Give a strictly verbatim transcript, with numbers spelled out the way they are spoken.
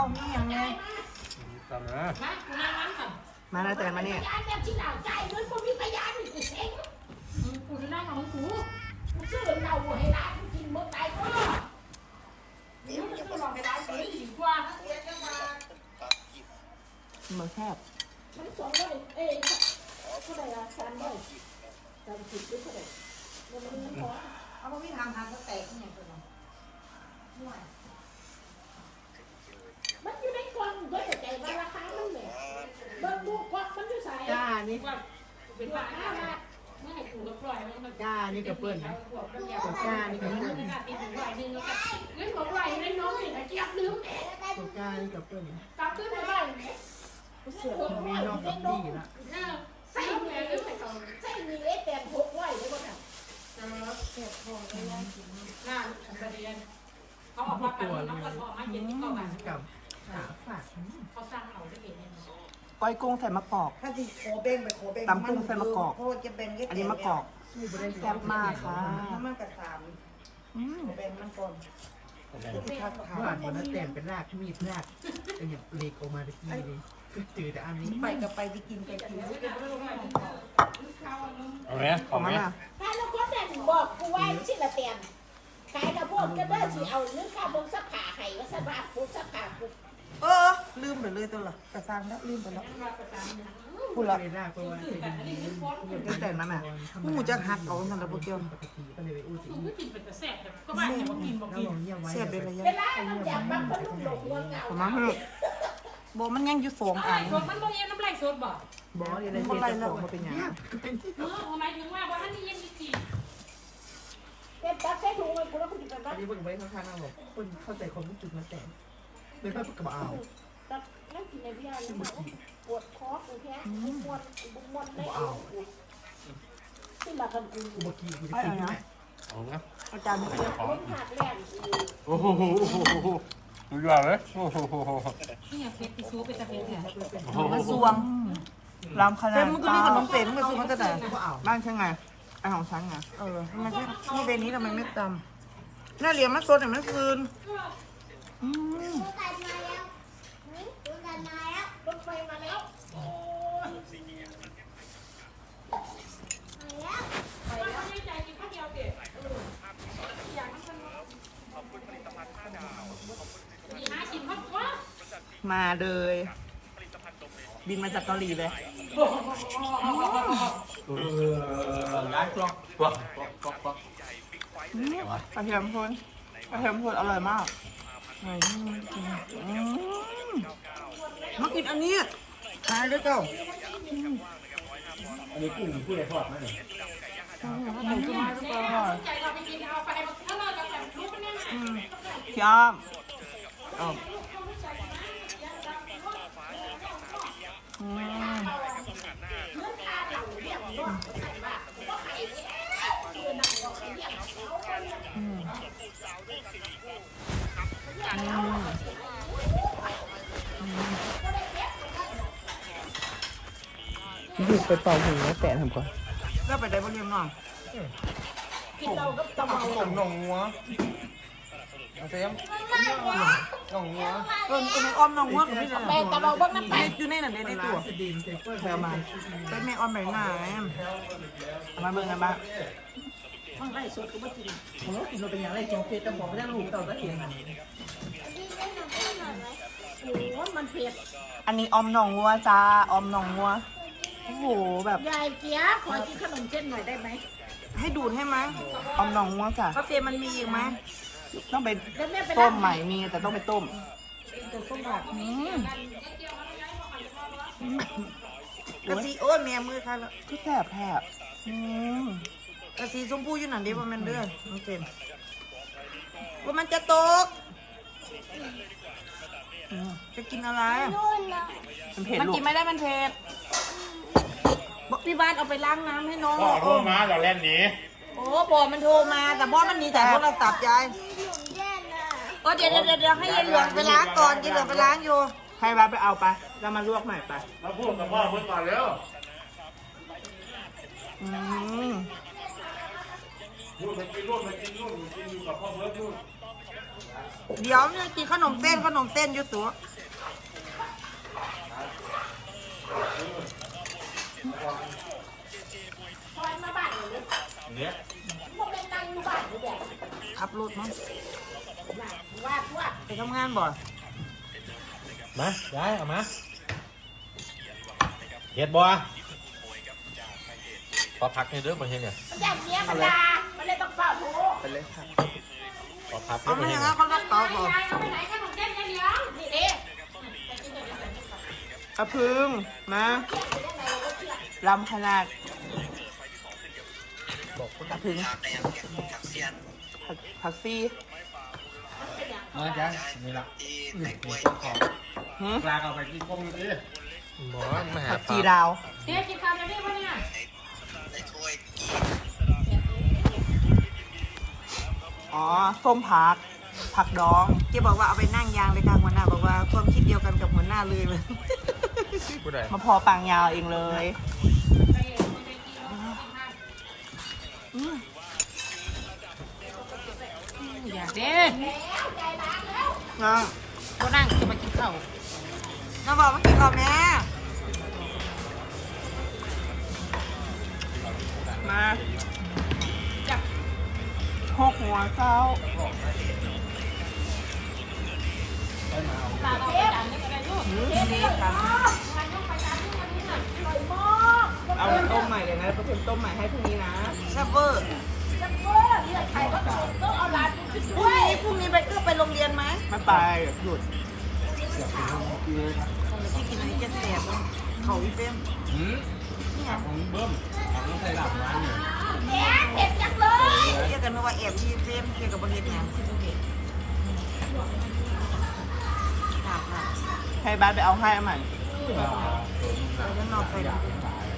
นี่ยังไงตามนะมาคุณนั่งนั่งก่อนมาแล้วแต่มาเนี่ยยานแบบที่หนาวใจเหมือนคนมีพยานอีกเซ็งกูจะนั่งของกูกูซื้อเหล้าให้ร้านกูกินเมื่อไหร่ก็นี่มันจะลองไปได้ไหมดีกว่ามันแคบมันสองร้อยเอ้ยเท่าไหร่ละสามร้อยสามสิบหรือเท่าไหร่มันมันพอเอาไปทางทางก็แตกเนี่ยตัวน้องมันอยู่ในกล่องเพื่อจะใจว่าราคามันเนี่ยเบิ่งดูกล่องมันอยู่ใส่จ้านี่ว่าเป็นบ้าห้าบาทเมื่อไหร่กูก็ปล่อยมันมันจ้านี่กับเปิ้ลจ้านี่กับเปิ้ลตีถึงร้อยหนึ่งแล้วก็เงินบอกว่าอยู่ในน้องนี่นะเจี๊ยบลืมเอ๊ะตัวจ้านี่กับเปิ้ลกลับขึ้นไปบ้านเสือมีนอกกับดีละเออใส่เงินลืมใส่กล่องใส่มีเอแปดหกร้อยเลยบ่น่ะเออเสียทองเลยนะหน้าประเด็นเขาออกมากันน้องกันออกมาเย็นที่เก่ากันกับขาฝาดเขาสร้างเราได้เองเนี่ยก้อยกุ้งใส่มะกอกถ้าที่โคเบ้งไปโคเบ้งโคจะเป็นอันนี้มะกอกแซ่บมากค่ะมันกระสามอืมโคเบ้งมันก่อนหวานมันเต็มเป็นรากมีดรากเป็นอย่างเล็กออกมาตะกี้เลยจืดแต่อันนี้ไปกับไปที่กินไปกินเอาไหมของมันอ่ะถ้าเราคนนั้นบอกกูไว้สิละเตียนขายกระโพดก็ได้สิเอาเรื่องค่าบงสักขาให้ว่าสบาบงสักขากูเออลืมไปเลยตัวละกระซังแล้วลืมไปแล้วพูดละเลยรากเพราะว่าจะดีแต่นั้นน่ะหมูจะหักเอาสันตะโปเกียวปกติก็เลยไปอู้สิกูกินเป็นแต่แซ่บแต่ก็บ้านแต่ว่ากินบอกแล้วกินลองเยี่ยมไว้เสียบเลยระยะเวลาเราอยากบังคนลูกหลงเมืองเงาผมมาเถอะโบมันยังอยู่สองอันสดมันโมเย็นน้ำไหลสดบ่บอสอะไรเสียจะของมาเป็นอย่างเออหมายถึงว่าว่าท่านนี่ยังมีจีเต็มตักใส่ถุงเลยกูแล้วกูจะไปบ้าอันนนี้เพิ่งไปข้างๆนั่งบอกคนเข้าใจความรู้สึกมาแต่เลยไปกระเป๋าตักนั่งกินในวิทยาเลยปวดคอกูแค่บุมวนบุมวนได้ที่มากันกูกูเมื่อกี้กูจะกินที่ไหนเอาละอาจารย์เพื่อนคนขาดแรงกูโอ้โหดูยอดเลยโอ้โหนี่เพชรที่ซูเป็นตะเพชรเนี่ยมันสวงรำขนาดเต็มมันก็มีขนมเป็ดมันซื้อมันก็แต่บ้านใช่ไงไอของฉันไงเออทำไมที่เวนี้ทำไมไม่ตำหน้าเหลี่ยมมันสดแต่มันคืนอืมรถไฟมาแล้วโอ้ยว่าไม่ใจกินข้าวเดียวเด็ดอยากมันขอบคุณผลิตภัณฑ์ห้าดาวมีหากินข้าวว่ามาเลยบินมาจากเกาหลีเลยย้ายกล้องกล้องกล้องกล้องกระเทียมพ่นกระเทียมพ่นอร่อยมากไหนมากินอันนี้ขายด้วยเจ้าอันนี้กุ้งผู้ใหญ่ทอดไหมเนี่ย ใจเราไปกินเอาไปถ้าเราจะแบบรู้มันยังไงพี่อ้อมอ้อมอืมดูไปเป่าหูแล้วแปะทำก่อนก็ไปได้บนเรียมน้องกินเราก็ตะเมาผมหนองงัวเอาเสียมหนองงัวเออเป็นอ้อมน้องง่วงกับพี่เลยแม่ตะเมาบ้างน้ำไปอยู่ในนั้นในตัวสดินเซเปอร์แถวมาเป็นแม่อ้อมไหนหน้ามาเบิ่งกันบ้างข้างในสดกูไม่กินผมว่ากินเราเป็นอย่างไรจงเฟสแต่ผมไม่ได้ลูกเต่าตะเกียงโอ้มันเผ็ดอันนี้ออมหนองงัวจ้าออมหนองงัวโอ้โหแบบยายเจี๊ยบขอกินขนมเส้นหน่อยได้ไหมให้ดูดให้ไหมออมหนองงัวจ้ะกาแฟมันมีอีกไหมต้องไปแล้วแม่ไปต้มใหม่มีแต่ต้องไปต้มตัวส้มผักอืมกะสีโอ้ยแม่มือค่ะคือแสบแทบอืมกะสีชมพูอยู่นั่นดิว่ามันเด้อน้องเจนว่ามันจะตกอืมจะกินอะไรมันเผ็ดมันลูกกินไม่ได้มันเผ็ดบอกพี่บ้านเอาไปล้างน้ำให้น้องพ่อโทรมาเราเล่นหนีโอ้บอมันโทรมาแต่บอมันหนีแต่โทรศัพท์ยายเออเดี๋ยวเดี๋ยวเดี๋ยวให้ยายเหลืองไปล้างก่อนยายเหลืองไปล้างอยู่ให้บ้าไปเอาไปแล้วมาลวกใหม่ไปมาพูดกับพ่อเพื่อนก่อนเร็วอืมพูดไปกินนู่นไปกินนู่นกินอยู่กับพ่อเพื่อนนู่นเดี๋ยวเนี่ยกินขนมเส้นขนมเส้นอยู่ตัวพอมาบ้านเลยเนี่ยพวกเป็นนั่งอยู่บ้านอยู่แบบขับรถมั้งว่าทั่วไปทำงานบ่มาย้ายเอามาเห็ดบัวพอพักในเรื่องประเทศเนี่ยมันอย่างเนี้ยมันดามันเลยต้องเฝ้าโทรไปเลยครับพอพักในเอาปไม่ระเทอศย่างเนี่นั้นยเขารับต่อบ่ยายเอาไปไหนขนมเส้นยายเหลียงนี่เด้กระพึ่งมาลำขนาดบอกคนกระพึ่งผักผักซี่มาจ้ะนี่ละนี่ของหืมปลาเอาไปกินกุ้งดิหมอมาหาผักปชีลาลาวเดี๋ยวกินข้าวเดี๋ยวนี้วะเนี่ยอ๋อส้มผักผักดองเจ๊บอกว่าเอาไปนั่งยางเลยค่ะหัวหน้าบอกว่าความคิดเดียวกันกับหัวหน้าเลยเลยผู้ใดมาพอปางยาวเองเลยไปไปกินแล้วกินข้าวอยากเด้นะก็นั่งจะมากินข้าวน้องบอกมากินข้าวแม่มาจับหกหัวเจ้าปลาเอาไปดันนี่ก็ได้ลูกนี่ค่ะมันต้องไปดันนี่วันนี้น่ะอร่อยมากเอาต้มใหม่เลยนะเปอร์เซ็นต์ต้มใหม่ให้พรุ่งนี้นะแซ่บเวอร์จังเวอร์นี่ใครก็ต้องเอาร้านไปขึ้นพรุ่ด้งวยนี้พรุ่งนี้ไปก็ไปโรงเรียนไหมไม่ไปหยุดที่กินอันนี้จะแสบเลยเขาอีเฟมหืมนี่ไงของเบิ้มของใส่หลับร้านเนี่ยแกเผ็ดจังเลยเรียกกันว่าแอบที่เฟมเกี่ยวกับบริเวณงานที่ภูเก็ตหนักหนักให้บ้านไปเอาให้ใหม่ไปด้านนอกไปอยากขาย